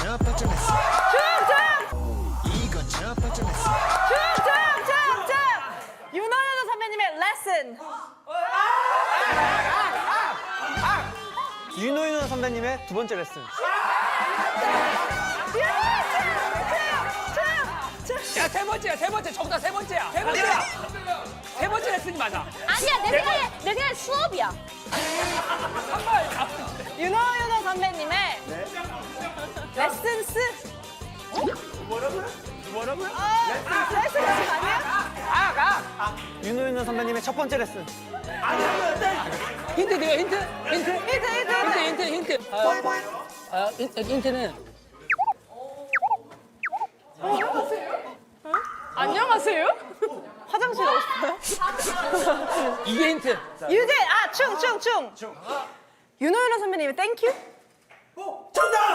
첫 번째 레슨. 이거 첫 번째 레슨. 윤호연 선배님의 레슨. 윤호윤 선배님의 두 번째 레슨. 야, 세 번째. 정답 세 번째야. 세 번째 레슨이 맞아. 아니야, 내 생각에 수업이야. 윤호연 선배님의 레슨스. 뭐라고요? 레슨스 아니야? 윤호윤 선배님의 첫 번째 레슨. 힌트 드려, 힌트. 힌트는 안녕하세요? 화장실 가고 싶어요? 이게 힌트. 유재, 충. 윤호연 선배님의 땡큐?